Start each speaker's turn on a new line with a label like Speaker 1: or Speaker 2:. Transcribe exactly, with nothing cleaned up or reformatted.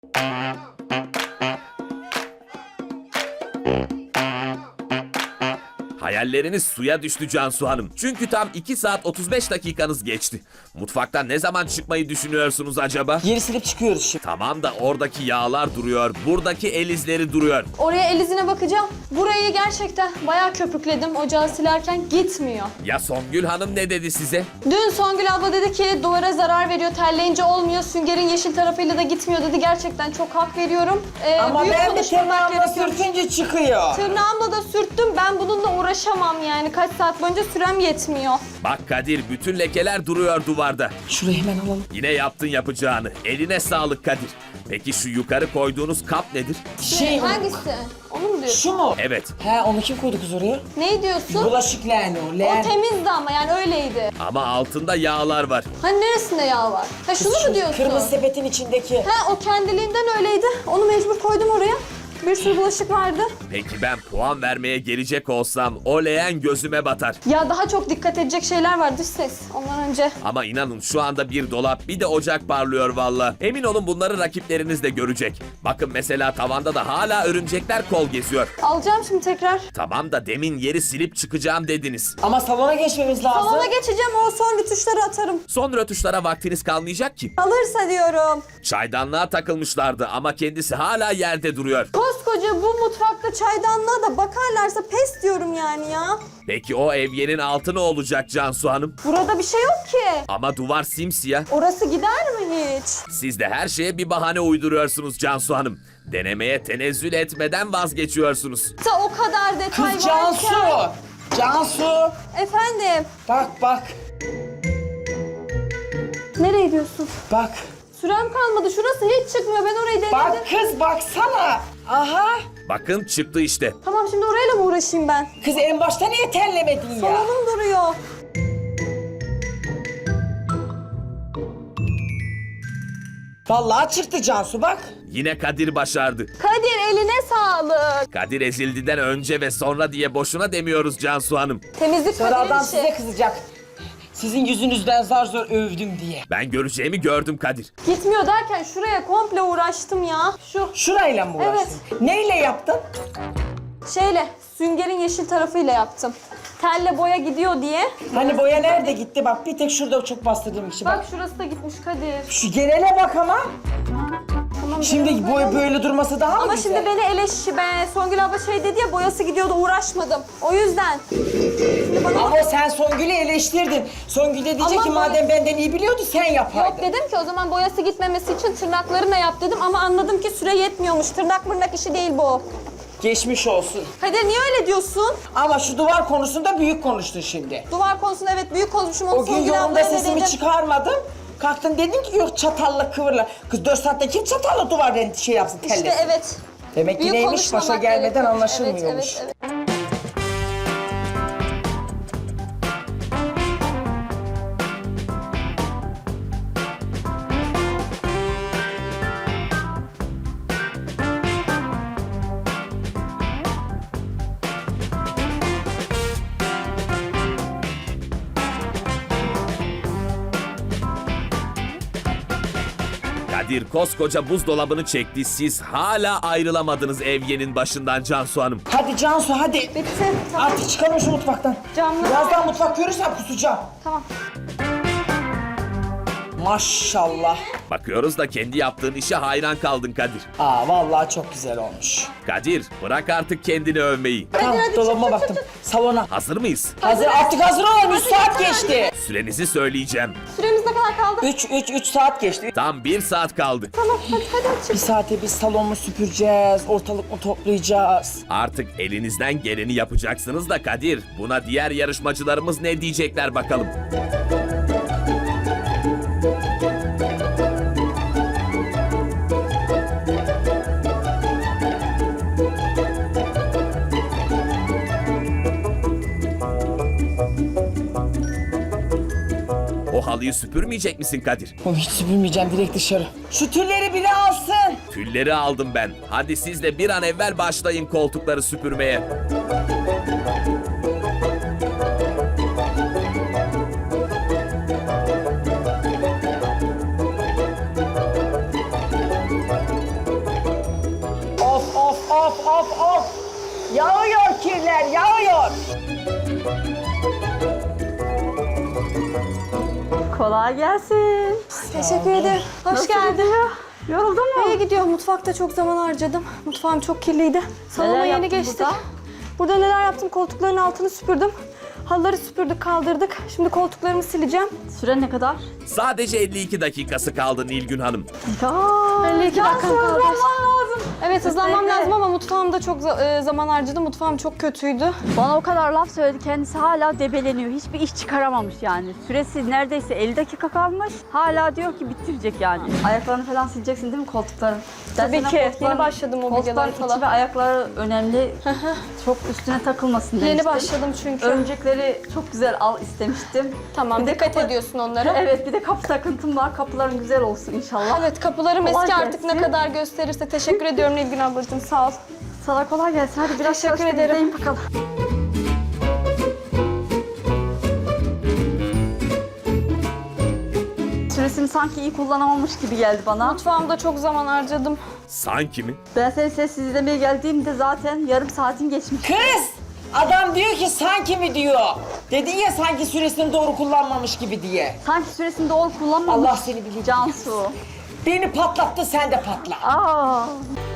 Speaker 1: Hayalleriniz suya düştü Cansu Hanım. Çünkü tam iki saat otuz beş dakikanız geçti. Mutfaktan ne zaman çıkmayı düşünüyorsunuz acaba?
Speaker 2: Geri silip çıkıyoruz şimdi.
Speaker 1: Tamam da oradaki yağlar duruyor, buradaki el izleri duruyor.
Speaker 3: Oraya el izine bakacağım. Burayı gerçekten bayağı köpükledim ocağı silerken, gitmiyor.
Speaker 1: Ya Songül Hanım ne dedi size?
Speaker 3: Dün Songül abla dedi ki duvara zarar veriyor, terleyince olmuyor, süngerin yeşil tarafıyla da gitmiyor dedi. Gerçekten çok hak veriyorum. Ee,
Speaker 2: Ama
Speaker 3: büyük
Speaker 2: ben de
Speaker 3: konuşmamak
Speaker 2: tırnağımla
Speaker 3: gerekiyor.
Speaker 2: sürtünce çıkıyor.
Speaker 3: Tırnağımla da sürttüm. Ben bununla uğraşamam yani. Kaç saat boyunca sürem yetmiyor.
Speaker 1: Bak Kadir, bütün lekeler duruyor duvarda.
Speaker 2: Şurayı hemen alalım.
Speaker 1: Yine yaptın yapacağını. Eline sağlık Kadir. Peki şu yukarı koyduğunuz kap nedir?
Speaker 2: Şey,
Speaker 3: Hangisi? Onu mu diyorsun?
Speaker 2: şu mu?
Speaker 1: Evet.
Speaker 2: He, onu kim koydu kız oraya?
Speaker 3: Ne diyorsun?
Speaker 2: Bulaşık leğeni o.
Speaker 3: O
Speaker 2: Leğen.
Speaker 3: temizdi ama yani öyleydi.
Speaker 1: Ama altında yağlar var.
Speaker 3: Hani neresinde yağ var? Ha şunu
Speaker 2: Şu
Speaker 3: mu diyorsun?
Speaker 2: Kırmızı sepetin içindeki.
Speaker 3: Ha o kendiliğinden öyleydi. Onu mecbur koydum oraya. Bir sürü bulaşık vardı.
Speaker 1: Peki ben puan vermeye gelecek olsam o leğen gözüme batar.
Speaker 3: Ya daha çok dikkat edecek şeyler var dış ses. Ondan önce.
Speaker 1: Ama inanın şu anda bir dolap bir de ocak parlıyor valla. Emin olun bunları rakipleriniz de görecek. Bakın mesela tavanda da hala örümcekler kol geziyor.
Speaker 3: Alacağım şimdi tekrar.
Speaker 1: Tamam da demin yeri silip çıkacağım dediniz.
Speaker 2: Ama salona geçmemiz lazım.
Speaker 3: Salona geçeceğim, o son rötuşları atarım.
Speaker 1: Son rötuşlara vaktiniz kalmayacak ki.
Speaker 3: Alırsa diyorum.
Speaker 1: Çaydanlığa takılmışlardı ama kendisi hala yerde duruyor.
Speaker 3: Koskoca bu mutfakta çaydanlığa da bakarlarsa pes diyorum yani ya.
Speaker 1: Peki o evyenin altı ne olacak Cansu Hanım?
Speaker 3: Burada bir şey yok ki.
Speaker 1: Ama duvar simsiyah.
Speaker 3: Orası gider mi hiç?
Speaker 1: Siz de her şeye bir bahane uyduruyorsunuz Cansu Hanım. Denemeye tenezzül etmeden vazgeçiyorsunuz.
Speaker 3: Ta o kadar detay
Speaker 2: Kız Cansu.
Speaker 3: varken.
Speaker 2: Cansu.
Speaker 3: Efendim.
Speaker 2: Bak bak.
Speaker 3: Nereye gidiyorsun?
Speaker 2: Bak.
Speaker 3: Sürem kalmadı. Şurası hiç çıkmıyor. Ben orayı denedim.
Speaker 2: Bak kız baksana. Aha.
Speaker 1: Bakın çıktı işte.
Speaker 3: Tamam şimdi orayla mı uğraşayım ben?
Speaker 2: Kız en başta niye terlemedin ya?
Speaker 3: Salonum duruyor.
Speaker 2: Vallahi çıktı Cansu bak.
Speaker 1: Yine Kadir başardı.
Speaker 3: Kadir eline sağlık.
Speaker 1: Kadir ezildiden önce ve sonra diye boşuna demiyoruz Cansu Hanım.
Speaker 3: Temizlik
Speaker 2: Sonra
Speaker 3: Kadir'in
Speaker 2: adam
Speaker 3: işi.
Speaker 2: size kızacak. Sizin yüzünüzden zar zor övdüm diye.
Speaker 1: Ben göreceğimi gördüm Kadir.
Speaker 3: Gitmiyor derken şuraya komple uğraştım ya. Şu
Speaker 2: Şurayla mı uğraştın? Neyle yaptın?
Speaker 3: şeyle süngerin yeşil tarafıyla yaptım. Telle boya gidiyor diye.
Speaker 2: Hani boya nerede gitti? Bak bir tek şurada çok bastırdığım için. Bak.
Speaker 3: Bak şurası da gitmiş Kadir.
Speaker 2: Şu genele bak ama.
Speaker 3: Tamam,
Speaker 2: Şimdi
Speaker 3: biraz
Speaker 2: boy
Speaker 3: böyle-
Speaker 2: böyle durması daha mı
Speaker 3: Ama
Speaker 2: güzel?
Speaker 3: şimdi beni eleş... Ben Songül abla şey dedi ya, boyası gidiyordu, uğraşmadım. O yüzden. Şimdi bana...
Speaker 2: Ama sen Songül'ü eleştirdin. Songül de diyecek
Speaker 3: Ama
Speaker 2: ki
Speaker 3: boy-
Speaker 2: madem benden iyi biliyordu sen yapaydın.
Speaker 3: Yok dedim ki o zaman boyası gitmemesi için tırnaklarına yap dedim ama anladım ki süre yetmiyormuş. Tırnak mırnak işi değil bu.
Speaker 2: Geçmiş olsun.
Speaker 3: Kadir niye öyle diyorsun?
Speaker 2: Ama şu duvar konusunda büyük konuştun şimdi.
Speaker 3: Duvar konusunda evet büyük konuşmuşum. Onu
Speaker 2: O gün
Speaker 3: Songül
Speaker 2: yolunda
Speaker 3: ablaya da
Speaker 2: sesimi
Speaker 3: dedim.
Speaker 2: çıkarmadım. Kalktın dedin ki yok çatalla kıvırla. Kız dört saatte kim çatalla duvar renti şey yapsın tellesin.
Speaker 3: İşte evet.
Speaker 2: Demek ki
Speaker 3: Büyük
Speaker 2: neymiş başa
Speaker 3: konuşmamak
Speaker 2: gelmeden
Speaker 3: gerekiyor.
Speaker 2: anlaşılmıyormuş.
Speaker 3: Evet, evet, evet.
Speaker 1: Kadir koskoca buzdolabını çekti. Siz hala ayrılamadınız evyenin başından Cansu Hanım.
Speaker 2: Hadi Cansu hadi.
Speaker 3: Bitti. Tamam.
Speaker 2: Artık çıkalım şu mutfaktan.
Speaker 3: Camlar-
Speaker 2: Birazdan mutfak görürsem kusacağım.
Speaker 3: Tamam.
Speaker 2: Maşallah.
Speaker 1: Bakıyoruz da kendi yaptığın işe hayran kaldın Kadir.
Speaker 2: Aa vallahi çok güzel olmuş.
Speaker 1: Kadir bırak artık kendini övmeyi.
Speaker 2: Tamam
Speaker 3: hadi,
Speaker 2: dolabıma
Speaker 3: çık, çık,
Speaker 2: baktım. Salona.
Speaker 1: Hazır mıyız?
Speaker 2: Hazır artık hazır olun. üç saat geçti.
Speaker 1: Sürenizi söyleyeceğim.
Speaker 3: Süremiz ne kadar kaldı?
Speaker 2: üç üç üç saat geçti.
Speaker 1: Tam bir saat kaldı.
Speaker 3: Tamam hadi hadi
Speaker 2: Bir
Speaker 3: çık.
Speaker 2: saate biz salonu süpüreceğiz, ortalık mı toplayacağız?
Speaker 1: Artık elinizden geleni yapacaksınız da Kadir. Buna diğer yarışmacılarımız ne diyecekler bakalım. O halıyı süpürmeyecek misin Kadir?
Speaker 2: Oğlum hiç süpürmeyeceğim direkt dışarı. Şu tülleri bile alsın.
Speaker 1: Tülleri aldım ben. Hadi siz de bir an evvel başlayın koltukları süpürmeye.
Speaker 2: of of of. Yağıyor kirler, yağıyor.
Speaker 4: Kolay gelsin.
Speaker 3: Teşekkür ederim. Hoş
Speaker 4: Nasıl
Speaker 3: geldin.
Speaker 4: gidiyor? Yoruldun mu?
Speaker 3: İyi gidiyor. Mutfakta çok zaman harcadım. Mutfağım çok kirliydi. Salona
Speaker 4: Neler
Speaker 3: yeni
Speaker 4: yaptın
Speaker 3: geçtik.
Speaker 4: burada?
Speaker 3: Burada neler yaptım? Koltukların altını süpürdüm. Halıları süpürdük, kaldırdık. Şimdi koltuklarımı sileceğim.
Speaker 4: Süren ne kadar?
Speaker 1: Sadece elli iki dakikası kaldı Nilgün Hanım.
Speaker 4: Ya,
Speaker 3: elli iki
Speaker 4: Cansu,
Speaker 3: dakikam kaldı.
Speaker 4: hızlanman lazım.
Speaker 3: Evet, hızlanmam
Speaker 4: Kesinlikle.
Speaker 3: lazım ama mutfağımda çok za- e, zaman harcadım. Mutfağım çok kötüydü.
Speaker 4: Bana o kadar laf söyledi, kendisi hala debeleniyor. Hiçbir iş çıkaramamış yani. Süresi neredeyse elli dakika kalmış. Hala diyor ki bitirecek yani. Ayaklarını falan sileceksin değil mi koltukların? Ben
Speaker 3: Tabii
Speaker 4: sana
Speaker 3: ki.
Speaker 4: koltukların-
Speaker 3: Yeni başladım mobilyalara
Speaker 4: koltukların
Speaker 3: falan.
Speaker 4: içi ve ayakları önemli. Çok üstüne takılmasın demiştim.
Speaker 3: Yeni başladım çünkü.
Speaker 4: Örümcekleri çok güzel al istemiştim.
Speaker 3: Tamam,
Speaker 4: Bir de
Speaker 3: dikkat
Speaker 4: kapı-
Speaker 3: ediyorsun onlara.
Speaker 4: Evet, bir de kapı takıntım var. Kapıların güzel olsun inşallah.
Speaker 3: Evet, kapılarım
Speaker 4: Kolay
Speaker 3: eski artık ne
Speaker 4: gelsin.
Speaker 3: kadar gösterirse. Teşekkür ediyorum Nilgün ablacığım, sağ ol.
Speaker 4: Sana kolay gelsin. Hadi biraz
Speaker 3: Teşekkür
Speaker 4: çalıştır,
Speaker 3: ederim.
Speaker 4: izleyin bakalım. Süresini sanki iyi kullanamamış gibi geldi bana.
Speaker 3: Mutfağımda çok zaman harcadım.
Speaker 1: Sanki mi?
Speaker 4: Ben seni sessiz izlemeye geldiğimde zaten yarım saatin geçmiş.
Speaker 2: Kız! Adam diyor ki sanki mi diyor. Dedin ya sanki süresini doğru kullanmamış gibi diye.
Speaker 4: Sanki süresini doğru kullanmamış.
Speaker 2: Allah seni bilir.
Speaker 4: Cansu.
Speaker 2: Beni patlattı, sen de patla.
Speaker 4: Aa,